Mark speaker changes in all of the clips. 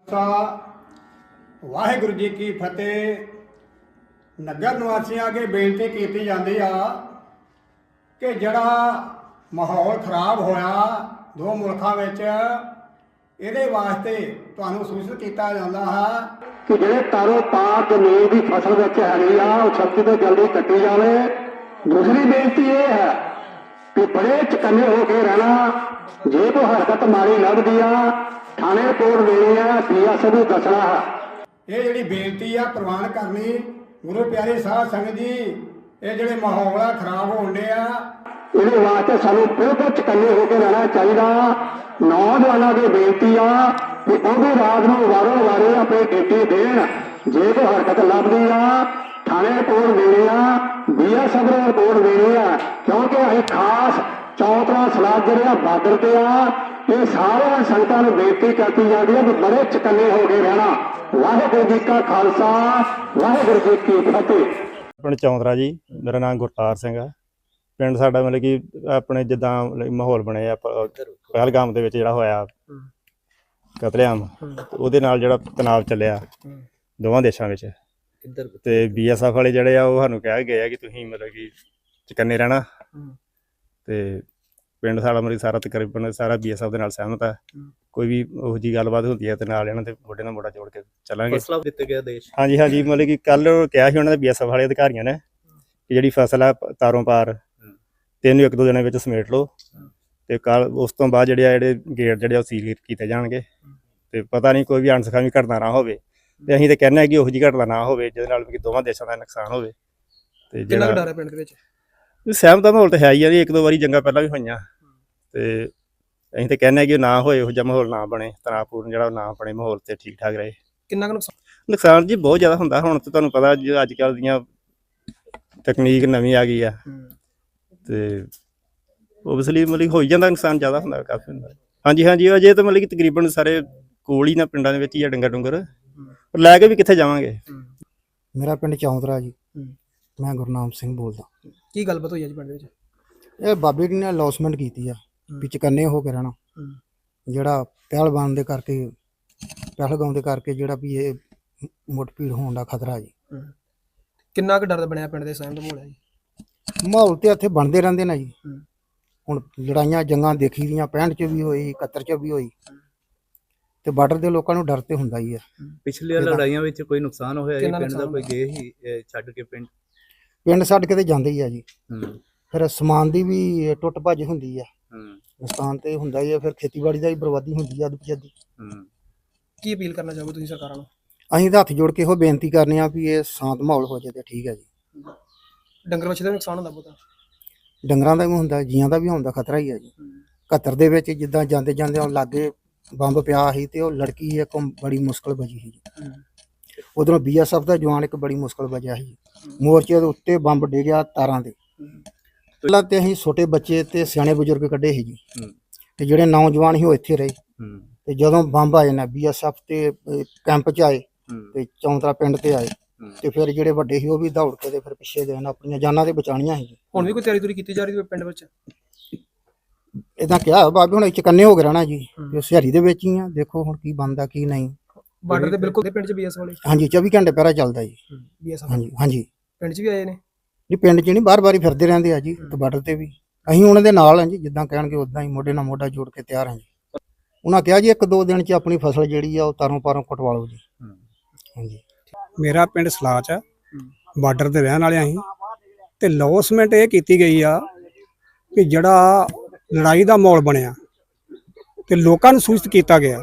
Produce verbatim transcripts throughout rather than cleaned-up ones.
Speaker 1: ਵਾਹਿਗੁਰੂ ਜੀ ਕੀ ਫਤਿਹ। ਨਗਰ ਨਿਵਾਸੀਆਂ ਅੱਗੇ ਬੇਨਤੀ ਕੀਤੀ ਜਾਂਦੀ ਆ ਕਿ ਜਿਹੜਾ ਮਾਹੌਲ ਖਰਾਬ ਹੋਇਆ ਦੋ ਮੁਲਕਾਂ ਵਿੱਚ, ਇਹਦੇ ਵਾਸਤੇ ਤੁਹਾਨੂੰ ਸੂਚਿਤ ਕੀਤਾ ਜਾਂਦਾ ਹੈ
Speaker 2: ਕਿ ਜਿਹੜੇ ਤਾਰੋ ਪਾਰ ਜ਼ਮੀਨ ਦੀ ਫਸਲ ਵਿੱਚ ਹੈਗੀ ਆ ਉਹ ਛੇਤੀ ਤੋਂ ਜਲਦੀ ਕੱਟੀ ਜਾਵੇ। ਦੂਸਰੀ ਬੇਨਤੀ ਇਹ ਹੈ ਕਿ ਬੜੇ ਚਕੰਨੇ ਹੋ ਕੇ ਰਹਿਣਾ, ਜੇ ਕੋਈ ਹਰਕਤ ਮਾੜੀ ਲੱਭਦੀ ਆ ਥਾਣੇ ਰਿਪੋਰਟ ਦੇਣੀ ਆ, ਪੀਐਸਓ ਨੂੰ ਦੱਸਣਾ ਹੈ।
Speaker 1: ਇਹ ਜਿਹੜੀ ਬੇਨਤੀ ਆ ਪ੍ਰਵਾਨ ਕਰਨੀ। ਗੁਰੂ ਪਿਆਰੇ ਸਾਧ ਸੰਗਤ ਜੀ, ਇਹ ਜਿਹੜੇ ਮਾਹੌਲ ਆ ਖਰਾਬ ਹੋਣ ਡੇ ਆ,
Speaker 2: ਇਹਦੇ ਵਾਸਤੇ ਸਾਨੂੰ ਬਿਲਕੁਲ ਚਕੰਨੇ ਹੋ ਕੇ ਰਹਿਣਾ ਚਾਹੀਦਾ। ਨੌਜਵਾਨਾਂ ਦੀ ਬੇਨਤੀ ਆ ਕਿ ਉਹ ਵੀ ਰਾਤ ਨੂੰ ਵਾਰੋ ਵਾਰੀ ਆਪਣੀ ਡਿਊਟੀ ਦੇਣ। ਜੇ ਕੋਈ ਹਰਕਤ ਲੱਭਦੀ ਆ ਥਾਣੇ ਰਿਪੋਰਟ ਦੇਣੀ ਆ, ਬੀਐਸਐਫ ਨੂੰ ਰਿਪੋਰਟ ਦੇਣੀ ਆ, ਕਿਉਂਕਿ ਅਸੀਂ ਖਾਸ ਚੌਥਾ ਸਲਾਹ ਜਿਹੜੇ ਆ ਬਾਰਡਰ ਤੇ ਆ। ਇਹ ਸਾਰਿਆਂ ਸੰਗਤਾਂ ਨੂੰ ਬੇਨਤੀ ਕੀਤੀ ਜਾਂਦੀ ਹੈ ਕਿ ਬੜੇ ਚਕੰਨੇ ਹੋ ਕੇ ਰਹਿਣਾ। ਵਾਹਿਗੁਰੂ ਜੀ ਕਾ ਖਾਲਸਾ, ਵਾਹਿਗੁਰੂ ਜੀ ਕੀ ਫਤਿਹ।
Speaker 3: ਪਿੰਡ ਚੌਂਤਰਾ ਜੀ, ਮੇਰਾ ਨਾਮ ਗੁਰਤਾਰ ਸਿੰਘ ਆ। ਪਿੰਡ ਸਾਡਾ ਮਤਲਬ ਕਿ ਆਪਣੇ ਜਿੱਦਾਂ ਮਾਹੌਲ ਬਣਿਆ ਪਹਿਲਗਾਮ ਦੇ ਵਿੱਚ ਜਿਹੜਾ ਹੋਇਆ ਕਤਲੇਆਮ, ਉਹਦੇ ਨਾਲ ਜਿਹੜਾ ਤਣਾਅ ਚੱਲਿਆ ਦੋਵਾਂ ਦੇਸ਼ਾਂ ਵਿੱਚ, ਤੇ ਬੀ ਐਸ ਐਫ ਵਾਲੇ ਜਿਹੜੇ ਆ ਉਹ ਸਾਨੂੰ ਕਹਿ ਗਏ ਆ ਕਿ ਤੁਸੀਂ ਮਤਲਬ ਕਿ ਚਕੰਨੇ ਰਹਿਣਾ। ਤੇ ਪਿੰਡ ਸਾਡਾ ਮਤਲਬ ਸਾਰਾ ਤਕਰੀਬਨ ਸਾਰਾ ਬੀ ਐਸ ਐਫ ਦੇ ਨਾਲ ਸਹਿਮਤ ਆ। ਕੋਈ ਵੀ ਉਹੋ ਜਿਹੀ ਗੱਲਬਾਤ ਹੁੰਦੀ ਹੈ ਤੇ ਨਾਲ ਇਹਨਾਂ ਦੇ ਮੋਢੇ ਨਾਲ ਮੋਢਾ ਜੋੜ ਕੇ ਚੱਲਾਂਗੇ।
Speaker 4: ਫਸਲਾਂ ਦਿੱਤੇ ਗਿਆ ਦੇਸ਼।
Speaker 3: ਹਾਂਜੀ ਹਾਂਜੀ, ਮਤਲਬ ਕਿ ਕੱਲ ਕਿਹਾ ਸੀ ਉਹਨਾਂ ਦੇ ਬੀ ਐਸ ਐਫ ਵਾਲੇ ਅਧਿਕਾਰੀਆਂ ਨੇ ਕਿ ਜਿਹੜੀ ਫਸਲ ਆ ਤਾਰੋਂ ਪਾਰ ਤਿੰਨ ਇੱਕ ਦੋ ਦਿਨਾਂ ਵਿੱਚ ਸਮੇਟ ਲਓ, ਤੇ ਕੱਲ ਉਸ ਤੋਂ ਬਾਅਦ ਜਿਹੜੇ ਆ ਜਿਹੜੇ ਗੇਟ ਜਿਹੜੇ ਉਹ ਸੀਲ ਕੀਤੇ ਜਾਣਗੇ। ਤੇ ਪਤਾ ਨਹੀਂ ਕੋਈ ਵੀ ਅਣਸਖਾਵੀ ਘਟਨਾ ਨਾ ਹੋਵੇ, ਤੇ ਅਸੀਂ ਤਾਂ ਕਹਿੰਦੇ ਹਾਂ ਕਿ ਉਹੋ ਜਿਹੀ ਘਟਨਾ ਨਾ ਹੋਵੇ ਜਿਹਦੇ ਨਾਲ ਕਿ ਦੋਵਾਂ ਦੇਸ਼ਾਂ ਦਾ ਨੁਕਸਾਨ ਹੋਵੇ। ਤੇ
Speaker 4: ਜਿਹੜਾ ਡਰ ਹੈ ਪਿੰਡ ਦੇ ਵਿੱਚ,
Speaker 3: ਸਹਿਮਤ ਦਾ ਮਾਹੌਲ ਤਾਂ ਹੈ ਹੀ ਆ ਜੀ। ਇੱਕ ਦੋ ਵਾਰੀ ਜੰਗਾਂ ਪਹਿਲਾਂ ਵੀ ਹੋਈਆਂ, ਤੇ ਅਸੀਂ ਤਾਂ ਕਹਿੰਦੇ ਹਾਂ ਕਿ ਨਾ ਹੋਏ, ਇਹੋ ਜਿਹਾ ਮਾਹੌਲ ਨਾ ਬਣੇ, ਤਣਾਅਪੂਰਨ ਜਿਹੜਾ ਨਾ ਬਣੇ ਮਾਹੌਲ, ਤੇ ਠੀਕ ਠਾਕ ਰਹੇ।
Speaker 4: ਕਿੰਨਾ ਕੁ ਨੁਕਸਾਨ
Speaker 3: ਨੁਕਸਾਨ ਜੀ ਬਹੁਤ ਜ਼ਿਆਦਾ ਹੁੰਦਾ। ਹੁਣ ਤਾਂ ਤੁਹਾਨੂੰ ਪਤਾ ਜੀ ਅੱਜ ਕੱਲ੍ਹ ਦੀਆਂ ਤਕਨੀਕ ਨਵੀਂ ਆ ਗਈ ਆ, ਤੇ ਓਬਵੀਅਸਲੀ ਮਤਲਬ ਹੋ ਹੀ ਜਾਂਦਾ, ਨੁਕਸਾਨ ਜ਼ਿਆਦਾ ਹੁੰਦਾ, ਕਾਫੀ ਹੁੰਦਾ। ਹਾਂਜੀ ਹਾਂਜੀ, ਅਜੇ ਤਾਂ ਮਤਲਬ ਕਿ ਤਕਰੀਬਨ ਸਾਰੇ ਕੋਲ ਹੀ ਨਾ ਪਿੰਡਾਂ ਦੇ ਵਿੱਚ ਹੀ ਆ ਡੰਗਰ ਡੁੰਗਰ, ਪਰ ਲੈ ਕੇ ਵੀ ਕਿੱਥੇ ਜਾਵਾਂਗੇ।
Speaker 5: ਮੇਰਾ ਪਿੰਡ ਚੌਂਤਰਾ ਜੀ, ਮੈਂ ਗੁਰਨਾਮ ਸਿੰਘ ਬੋਲਦਾ।
Speaker 4: ਕੀ ਗੱਲਬਾਤ ਹੋਈ ਹੈ ਜੀ ਪਿੰਡ ਵਿੱਚ?
Speaker 5: ਇਹ ਬਾਬੇ ਜੀ ਨੇ ਅਨਾਉਂਸਮੈਂਟ ਕੀਤੀ ਆ ਵੀ ਚਕੰਨੇ ਹੋ ਕੇ ਰਹਿਣਾ। ਜਿਹੜਾ ਪਹਿਲਵਾਨ ਦੇ ਕਰਕੇ ਪਹਿਲਗਾਮ ਦੇ ਕਰਕੇ ਜਿਹੜਾ ਵੀ ਇਹ ਮੁੱਠ-ਭੀੜ ਹੋਣ ਦਾ ਖਤਰਾ ਜੀ।
Speaker 4: ਕਿੰਨਾ ਕੁ ਡਰ ਬਣਿਆ ਪਿੰਡ ਦੇ ਸਹਿਮ ਦਾ ਮਾਹੌਲ ਹੈ ਜੀ?
Speaker 5: ਮਾਹੌਲ ਤੇ ਇੱਥੇ ਬਣਦੇ ਰਹਿੰਦੇ ਨੇ ਜੀ। ਹੁਣ ਲੜਾਈਆਂ ਜੰਗਾਂ ਦੇਖੀ ਦੀਆਂ ਪੈਂਹਠ ਚ ਵੀ ਹੋਈ, ਇਕਹੱਤਰ ਚ ਵੀ ਹੋਈ, ਤੇ ਬਾਰਡਰ ਦੇ ਲੋਕਾਂ ਨੂੰ ਡਰ ਤੇ ਹੁੰਦਾ ਹੀ ਆ।
Speaker 6: ਪਿਛਲੀਆਂ ਲੜਾਈਆਂ ਵਿੱਚ ਕੋਈ ਨੁਕਸਾਨ ਹੋਇਆ ਜੀ ਪਿੰਡ ਦਾ? ਕੋਈ ਗਏ ਹੀ ਛੱਡ ਕੇ ਪਿੰਡ?
Speaker 5: ਪਿੰਡ ਛੱਡ ਕੇ ਤੇ ਜਾਂਦੇ ਹੀ ਆ ਜੀ। ਫਿਰ ਸਮਾਨ ਦੀ ਵੀ ਟੁੱਟ ਭੱਜ ਹੁੰਦੀ ਆ, ਨੁਕਸਾਨ ਤੇ ਹੁੰਦਾ ਹੀ ਆ। ਫਿਰ ਖੇਤੀਬਾੜੀ ਦਾ ਵੀ ਬਰਬਾਦੀ ਹੁੰਦੀ ਆ ਅੱਧ-ਪਜੱਦੀ।
Speaker 4: ਕੀ ਅਪੀਲ ਕਰਨਾ ਚਾਹੋਗੇ ਤੁਸੀਂ ਸਰਕਾਰਾਂ ਨੂੰ?
Speaker 5: ਅਸੀਂ ਤਾਂ ਹੱਥ ਜੋੜ ਕੇ ਇਹੋ ਬੇਨਤੀ ਕਰਨੇ ਆ ਵੀ ਇਹ ਸ਼ਾਂਤ ਮਾਹੌਲ ਹੋ ਜਾਏ ਤੇ ਠੀਕ ਹੈ ਜੀ।
Speaker 4: ਡੰਗਰ ਵੱਛੇ ਦਾ ਨੁਕਸਾਨ ਹੁੰਦਾ ਬਹੁਤਾ?
Speaker 5: ਡੰਗਰਾਂ ਦਾ ਵੀ ਹੁੰਦਾ, ਜੀਆਂ ਦਾ ਵੀ ਹੁੰਦਾ, ਖਤਰਾ ਹੀ ਹੈ ਜੀ। ਇਕਹੱਤਰ ਦੇ ਵਿੱਚ ਜਿੱਦਾਂ ਜਾਂਦੇ ਜਾਂਦੇ ਉਹ ਲਾਗੇ ਬੰਬ ਪਿਆ ਸੀ, ਤੇ ਉਹ ਲੜਕੀ ਇੱਕ ਬੜੀ ਮੁਸ਼ਕਲ ਬਚੀ ਸੀ ਜੀ। ਉਧਰੋਂ ਬੀ ਐਸ ਐਫ ਦਾ ਜਵਾਨ ਇੱਕ ਬੜੀ ਮੁਸ਼ਕਲ ਬਚਿਆ ਸੀ। ਮੋਰਚੇ ਦੇ ਉੱਤੇ ਬੰਬ ਡਿੱਗਿਆ ਤਾਰਾਂ ਦੇ। ਪਹਿਲਾਂ ਤੇ ਅਸੀਂ ਛੋਟੇ ਬੱਚੇ ਤੇ ਸਿਆਣੇ ਬਜ਼ੁਰਗ ਕੱਢੇ ਸੀ ਜੀ, ਤੇ ਜਿਹੜੇ ਨੌਜਵਾਨ ਸੀ ਉਹ ਇੱਥੇ ਰਹੇ। ਤੇ ਜਦੋਂ ਬੰਬ ਆਏ ਨਾ ਬੀ ਐਸ ਐਫ ਤੇ ਕੈਂਪ 'ਚ ਆਏ ਤੇ ਚੌਂਤਰਾ ਪਿੰਡ ਤੇ ਆਏ, ਤੇ ਫਿਰ ਜਿਹੜੇ ਵੱਡੇ ਸੀ ਉਹ ਵੀ ਦੌੜ ਕੇ ਤੇ ਫਿਰ ਪਿੱਛੇ ਗਏ ਨਾ, ਆਪਣੀਆਂ ਜਾਨਾਂ ਤੇ ਬਚਾਉਣੀਆਂ ਸੀ।
Speaker 4: ਹੁਣ ਵੀ ਕੋਈ ਤਿਆਰੀ ਤੁਰੀ ਕੀਤੀ ਜਾ ਰਹੀ ਹੈ ਪਿੰਡ ਵਿੱਚ?
Speaker 5: ਇਦਾਂ ਕਿਹਾ ਬਾਬੇ ਹੁਣ ਚਕੰਨੇ ਹੋ ਕੇ ਰਹਿਣਾ ਜੀ, ਤੇ ਸਿਹਾਰੀ ਦੇ ਵਿੱਚ ਹੀ ਆ। ਦੇਖੋ ਹੁਣ ਕੀ ਬਣਦਾ ਕੀ ਨਹੀਂ।
Speaker 4: ਬਾਰਡਰ ਤੇ ਬਿਲਕੁਲ ਪਿੰਡ 'ਚ ਬੀ ਐਸ ਵਾਲੇ?
Speaker 5: ਹਾਂਜੀ, ਚੌਵੀ ਘੰਟੇ ਪਹਿਰਾ ਚੱਲਦਾ ਜੀ
Speaker 4: ਬੀ ਐਸ।
Speaker 5: ਹਾਂਜੀ ਹਾਂਜੀ,
Speaker 4: ਪਿੰਡ 'ਚ ਵੀ ਆਏ ਨੇ
Speaker 5: ਜੀ। ਪਿੰਡ 'ਚ ਨਹੀਂ, ਬਾਰ-ਬਾਰ ਹੀ ਫਿਰਦੇ ਰਹਿੰਦੇ ਆ ਜੀ, ਤੇ ਬਾਰਡਰ ਤੇ ਵੀ ਅਸੀਂ ਉਹਨਾਂ ਦੇ ਨਾਲ ਹਾਂ ਜੀ। ਜਿੱਦਾਂ ਕਹਿਣਗੇ ਉਦਾਂ ਹੀ ਮੋਢੇ ਨਾਲ ਮੋਢਾ ਜੋੜ ਕੇ ਤਿਆਰ ਹਾਂ ਜੀ। ਉਹਨਾਂ ਕਿਹਾ ਜੀ ਇੱਕ ਦੋ ਦਿਨ 'ਚ ਆਪਣੀ ਫਸਲ ਜਿਹੜੀ ਆ ਉਹ ਤਾਰੋਂ ਪਾਰੋਂ ਕਟਵਾ ਲਓ ਜੀ। ਹਾਂਜੀ।
Speaker 7: ਮੇਰਾ ਪਿੰਡ ਸਲਾਚ ਆ, ਬਾਰਡਰ ਤੇ ਰਹਿਣ ਵਾਲੇ ਅਸੀਂ, ਤੇ ਲੌਸਮੈਂਟ ਇਹ ਕੀਤੀ ਗਈ ਆ ਕਿ ਜਿਹੜਾ ਲੜਾਈ ਦਾ ਮਾਹੌਲ ਬਣਿਆ ਤੇ ਲੋਕਾਂ ਨੂੰ ਸੂਚਿਤ ਕੀਤਾ ਗਿਆ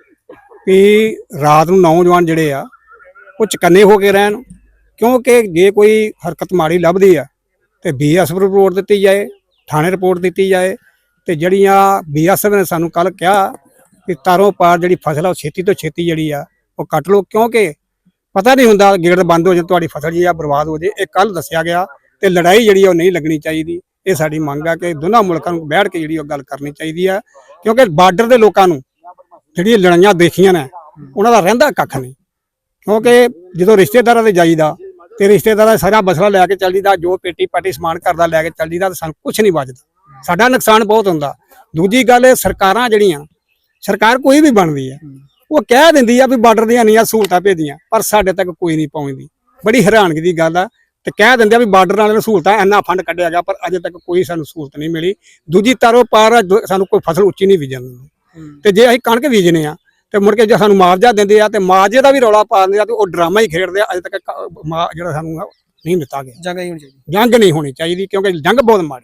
Speaker 7: ਕਿ ਰਾਤ ਨੂੰ ਨੌਜਵਾਨ ਜਿਹੜੇ ਆ ਉਹ ਚਕੰਨੇ ਹੋ ਕੇ ਰਹਿਣ, ਕਿਉਂਕਿ ਜੇ ਕੋਈ ਹਰਕਤ ਮਾੜੀ ਲੱਭਦੀ ਆ ਤੇ ਬੀ ਐਸ ਐਫ ਰਿਪੋਰਟ ਦਿੱਤੀ ਜਾਏ, ਥਾਣੇ ਰਿਪੋਰਟ ਦਿੱਤੀ ਜਾਏ। ਤੇ ਜਿਹੜੀਆਂ ਬੀ ਐਸ ਐਫ ਨੇ ਸਾਨੂੰ ਕੱਲ ਕਿਹਾ ਕਿ ਤਾਰੋਂ ਪਾਰ ਜਿਹੜੀ ਫਸਲ ਆ ਉਹ ਛੇਤੀ ਤੋਂ ਛੇਤੀ ਜਿਹੜੀ ਆ ਉਹ ਕੱਟ ਲਓ, ਕਿਉਂਕਿ ਪਤਾ ਨਹੀਂ ਹੁੰਦਾ ਗੇਟ ਬੰਦ ਹੋ ਜਾਏ ਤੁਹਾਡੀ ਫਸਲ ਜੀ ਆ ਬਰਬਾਦ ਹੋ ਜਾਏ। ਇਹ ਕੱਲ ਦੱਸਿਆ ਗਿਆ, ਤੇ ਲੜਾਈ ਜਿਹੜੀ ਉਹ ਨਹੀਂ ਲੱਗਣੀ ਚਾਹੀਦੀ। ਇਹ ਸਾਡੀ ਮੰਗ ਆ ਕਿ ਦੋਨਾਂ ਮੁਲਕਾਂ ਨੂੰ ਬੈਠ ਕੇ ਜਿਹੜੀ ਉਹ ਗੱਲ ਕਰਨੀ ਚਾਹੀਦੀ ਆ, ਕਿਉਂਕਿ ਬਾਰਡਰ ਦੇ ਲੋਕਾਂ ਨੂੰ ਜਿਹੜੀਆਂ ਲੜਾਈਆਂ ਦੇਖੀਆਂ ਨੇ ਉਹਨਾਂ ਦਾ ਰਹਿੰਦਾ ਕੱਖ ਨਹੀਂ। ਕਿਉਂਕਿ ਜਦੋਂ ਰਿਸ਼ਤੇਦਾਰਾਂ ਦੇ ਜਾਈਦਾ ਤੇ ਰਿਸ਼ਤੇਦਾਰਾਂ ਸਾਰਾ ਮਸਲਾ ਲੈ ਕੇ ਚੱਲ ਜੀਦਾ, ਜੋ ਪੇਟੀ ਪਾਟੀ ਸਮਾਨ ਕਰਦਾ ਲੈ ਕੇ ਚੱਲ ਜੀਦਾ, ਤੇ ਸਾਨੂੰ ਕੁਛ ਨਹੀਂ ਬਚਦਾ, ਸਾਡਾ ਨੁਕਸਾਨ ਬਹੁਤ ਹੁੰਦਾ। ਦੂਜੀ ਗੱਲ, ਸਰਕਾਰਾਂ ਜਿਹੜੀਆਂ ਸਰਕਾਰ ਕੋਈ ਵੀ ਬਣਦੀ ਹੈ ਉਹ ਕਹਿ ਦਿੰਦੀ ਆ ਵੀ ਬਾਰਡਰ ਦੀਆਂ ਇੰਨੀਆਂ ਸਹੂਲਤਾਂ ਭੇਜੀਆਂ, ਪਰ ਸਾਡੇ ਤੱਕ ਕੋਈ ਨਹੀਂ ਪਹੁੰਚਦੀ। ਬੜੀ ਹੈਰਾਨਗੀ ਦੀ ਗੱਲ ਆ। ਤੇ ਕਹਿ ਦਿੰਦੇ ਆ ਵੀ ਬਾਰਡਰ ਵਾਲਿਆਂ ਨੂੰ ਸਹੂਲਤਾਂ ਇੰਨਾ ਫੰਡ ਕੱਢਿਆ ਗਿਆ, ਪਰ ਅਜੇ ਤੱਕ ਕੋਈ ਸਾਨੂੰ ਸਹੂਲਤ ਨਹੀਂ ਮਿਲੀ। ਦੂਜੀ ਤਾਰੋ ਪਾਰ ਦੋ- ਸਾਨੂੰ ਕੋਈ ਫਸਲ ਉੱਚੀ ਨਹੀਂ ਬੀਜਣ ਦਿੰਦੇ। ਤੇ ਜੇ ਅਸੀਂ ਕਣਕ ਬੀਜਨੇ ਆ ਤੇ ਮੁੜ ਕੇ ਜੇ ਸਾਨੂੰ ਮੁਆਵਜ਼ਾ ਦਿੰਦੇ ਆ ਤੇ ਮੁਆਵਜ਼ੇ ਦਾ ਵੀ ਰੌਲਾ ਪਾ ਦਿੰਦੇ ਆ ਤੇ ਉਹ ਡਰਾਮਾ ਹੀ ਖੇਡਦੇ ਆ। ਅਜੇ ਤੱਕ ਕ- ਮੁਆ- ਜਿਹੜਾ ਸਾਨੂੰ ਨਹੀਂ ਦਿੱਤਾ ਗਿਆ।
Speaker 4: ਜੰਗ ਹੀ ਹੋਣੀ ਚਾਹੀਦੀ।
Speaker 7: ਜੰਗ ਨਹੀਂ ਹੋਣੀ ਚਾਹੀਦੀ, ਕਿਉਂਕਿ ਜੰਗ ਬਹੁਤ ਮਾੜੀ।